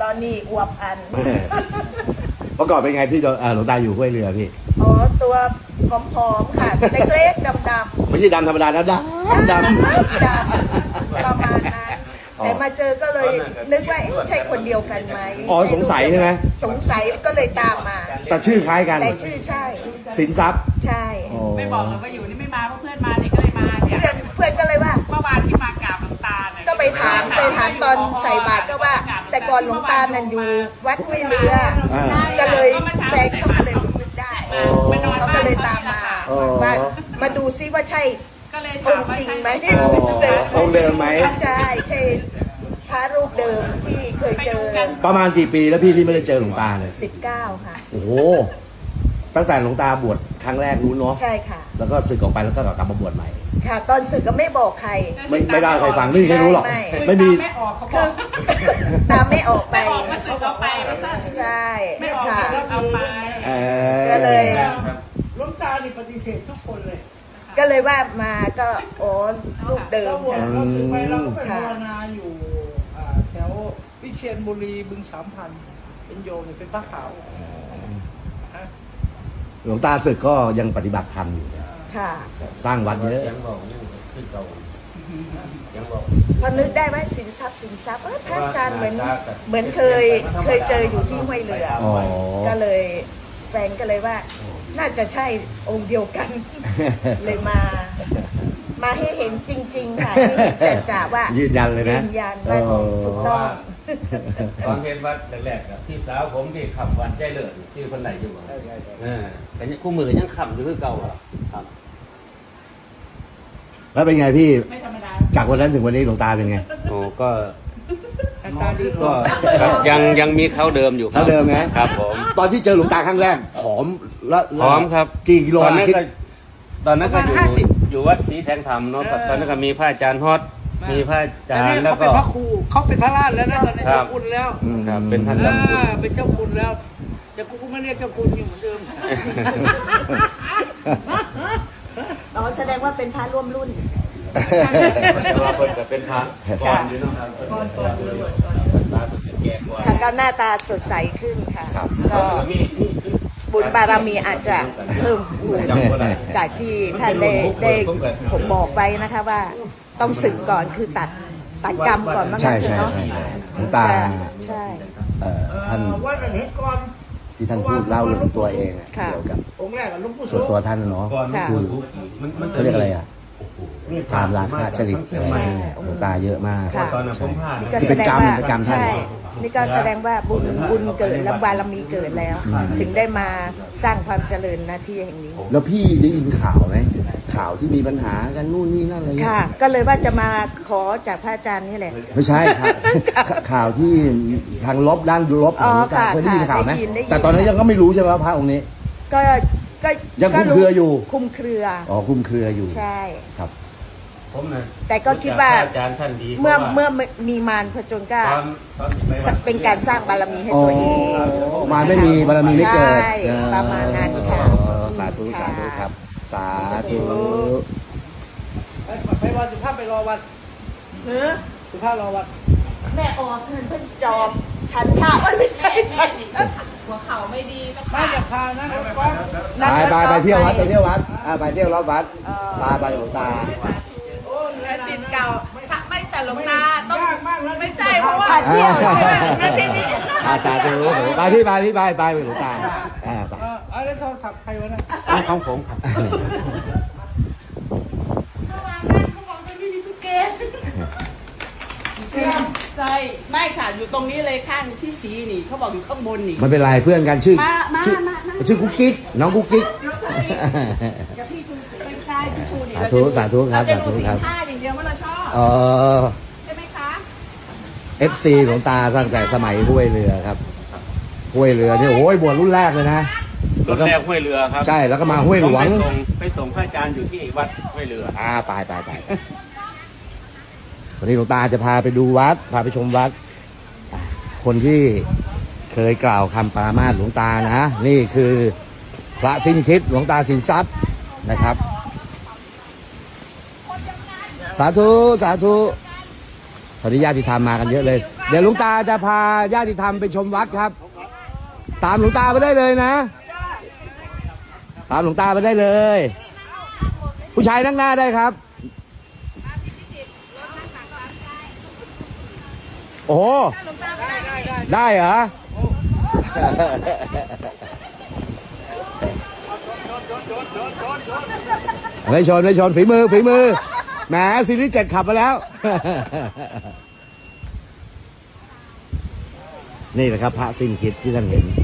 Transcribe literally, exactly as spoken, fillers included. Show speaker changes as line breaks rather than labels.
ตอนนี้อวบอัน
เมื่อก่อนเป็นไงพี่หลวงตาอยู่ห้วยเรือพี่
อ๋อตัวผอมๆค่ะเล็กๆดำๆ
ไม่ใช่ดำธรรมดานะดำดำ
ดำประมาณนั้นแต่มาเจอก็เลยนึกว่าใช่คนเดียวกันไหม
อ๋อสงสัยใช่ไหม
สงสัยก็เลยตามมา
แต่ชื่อคล้ายกัน
แต่ชื่อใช่
สินทรัพย์
ใช่
ไม่บอกเลยว่าอยู่นี่ไม่มาเพราะเพื่อนมาเนี่ยก็เลยมาเนี่ย
เพื่อนเพื่อนก็เลยว่า
เมื่อวานที่มากราบหลวงตาเนี่ย
ก็ไปถามไปถามตอนใส่บาตรก็ว่า แต่ก่อนหลวงตานั่นอยู่วัดห้วยเรือก็เลยแฟนเขาก็เลยนึกได้เขาก็เลยตามมาว่ามาดูซิว่าใช่องค์จริงไหม
องค์เดิมไหม
ใช่ใช่พระรูปเดิมที่เคยเจอ
ประมาณกี่ปีแล้วพี่ที่ไม่ได้เจอหลวงตาเลย
สิบเก้าค่ะ
โอ้โหตั้งแต่หลวงตาบวชครั้งแรกรู้เนาะ
ใช่ค่ะ
แล้วก็สึกออกไปแล้วก็กลับมาบวชใหม่
ค่ะตอนสึกก็ไม่บอกใคร
ไม่ไม่ได้ใครฟังไม่มีใครรู้หรอกไม่มี
คือตามไม่ออกไป
ออกมาสึกออกไป
ใช่
ค่ะเอาไป
ก็เลย
หลวงตานี่ปฏิเสธทุกคนเลย
ก็เลยว่ามาก็โอ้รูปเดิมค่ะ
เราถึงไปเราก็ไปภาวนาอยู่แถววิเชียรบุรีบึงสามพันเป็นโยมเป็นพระขาว
หลวงตาศึกก็ยังปฏิบัติธรรมอยู่
ค่ะ
สร้างวัดเยอะ
พอนึกได้ว่าสินทรัพย์สินทรัพย์เออพระอาจารย์เหมือนเหมือนเคยเคยเจออยู่ที่ห้วยเรือก็เลยแฟนก็เลยว่าน่าจะใช่องค์เดียวกันเลยมามาให้เห็นจริงๆค่ะให้เห็นแต่จ่าว่า
ยืนยันเลยนะ
ยืนยันว่าถูกต้อง
ตอนเห็นวัดแรกๆที่สาวผมที่ขับวันใจเลิศที่คนไหนอยู่อ่าแต่คู่มือยังขับอยู่คือเก่าครับ
แล้วเป็นไงพี่จากวันนั้นถึงวันนี้หลวงตาเป็นไง
โอ้ก็ก็ยังยังมีเขาเดิมอยู่
เขาเดิมนะครับ
ผม
ตอนที่เจอหลวงตาครั้งแรกผอมแล้ว
ผอมครับ
กี่กิโล
ตอนนั้นก็ตอนนั้นก็อยู่อยู่วัดศรีแทงธรรมเนาะตอนนั้นก็มีพระอาจารย์ฮอตมีพระอาจารย์แล้วก็
เขาเป็นพระครูเขาเป็นพระราชแล้วนะตอนนี้เจ้าคุณแล้ว
ครับเป็นท่านเจ้าคุณ
เป็นเจ้าคุณแล้วแต่กูก็ไม่เรียกเจ้าคุณอยู่เหมือนเดิม
อ๋อแสดงว่าเป็นพระร่วมรุ่น
แต่ว่าคนจะเป็นพระก่อนอยู่นะครับก่อนก่อนตาสุดแก่กว่า
ค่ะก็หน้าตาสดใสขึ้นค่ะก็บุญบารมีอาจจะเพิ่มพูนจากที่ท่านได้ได้ผมบอกไปนะคะว่าต้องสึกก่อนคือตัดตัดกรรมก่อนมั้ง
ใช่ใช่ใช่หลวงตา
ใช่
ท่านที่ท่านพูดเล่าเรื่องตัวเองเกี่ยวกับส่วนตัวท่านเนาะคือเขาเรียกอะไรอ่ะตามราคาจริตหลวงตาเยอะมากที่เป็นกรรมเป็นกรรมท่าน
นี่ก็แสดงว่าบุญบุญเกิดและบารมีเกิดแล้วถึงได้มาสร้างความเจริญหน้าที่แห่งนี้
แล้วพี่ได้ยินข่าวไหมข่าวที่มีปัญหากันนู่นนี่นั่นอะไร
ค่ะก็เลยว่าจะมาขอจากพระอาจารย์นี่แหละ
ไม่ใช่ครับข่าวที่ทางลบด้านลบของการเคยได้ยินข่าวไหมแต่ตอนนั้นยังก็ไม่รู้ใช่ไหมว่าพระองค์นี้
ก็ก็
ยังคุมเครืออยู่
คุมเครือ
อ๋อคุมเครืออยู่
ใช่
ครับ
ผมนะ
แต่ก็คิดว่าเมื่อเมื่อมีมารผจญกล้าเป็นการสร้างบารมีให้ตัวเอง
มารไม่มีบารมีไม่เกิด
ประมาณนั้นค่ะ
สาธุสาธุครับสาธุ
ไปวันสุภาพไปรอวัน
เนื้อ
สุภาพรอวัน
แม่ออกเงินเพิ่งจอมฉันข้าวไม่ใช่
หัวเข่าไม่ดีก็
ไม่จะพานะ
ไปไปไปเที่ยววัดไปเที่ยววัดไปเที่ยวรอบวัดตาไปหลวงตา
จิตเก่าไม่แต่หลวงตาต้องไม่ใช่เพราะว่า
เที่ยว
อาสาธุไปพี่ไปพี่ไปไปหลวงตาอ่าไป
อะไรเขาขับใครวะนะ
ของผมครับ
เข้ามาแม่เขาบอกว่าที่มีทุกเกณฑ์ใช่ไม่ค่ะอยู่ตรงนี้เลยข้างพี่สีนี่เขาบอกอยู่ข้างบนนี่
มันเป็นไรเพื่อนกันชื่อชื่อชื่อกุ๊กกิ๊กน้องกุ๊กกิ๊กสาธุสาธุครับสาธุครับ
ท่าอย่างเดียวว่าเราชอบ
เออ
ใช่ไหมคะ
เอฟ ซี ของตาตั้งแต่สมัยห้วยเรือครับห้วยเรือนี่โอ้ยบวชรุ่นแรกเลยนะ
รุ่นแรกห้วยเรือครับ
ใช่แล้วก็มาห้วยหลวง
ไปส่งไปส่งพระอาจารย์อยู่ที่วัดห้วยเรือ
อ่าไปไปไปวันนี้หลวงตาจะพาไปดูวัดพาไปชมวัดคนที่เคยกล่าวคำปรามาสหลวงตานะนี่คือพระสิ้นคิดหลวงตาสินทรัพย์นะครับสาธุสาธุตอนนี้ญาติธรรมมากันเยอะเลยเดี๋ยวหลวงตาจะพาญาติธรรมไปชมวัดครับ ตามหลวงตาไปได้เลยนะ ตามหลวงตาไปได้เลย ผู้ชายนั่งหน้าได้ครับ โอ้โหได้เหรอ ไม่ชนไม่ชนฝีมือฝีมือแหมซีรีส์เจ็ดขับมาแล้ว นี่แหละครับพระสิ้นคิดที่ท่านเห็น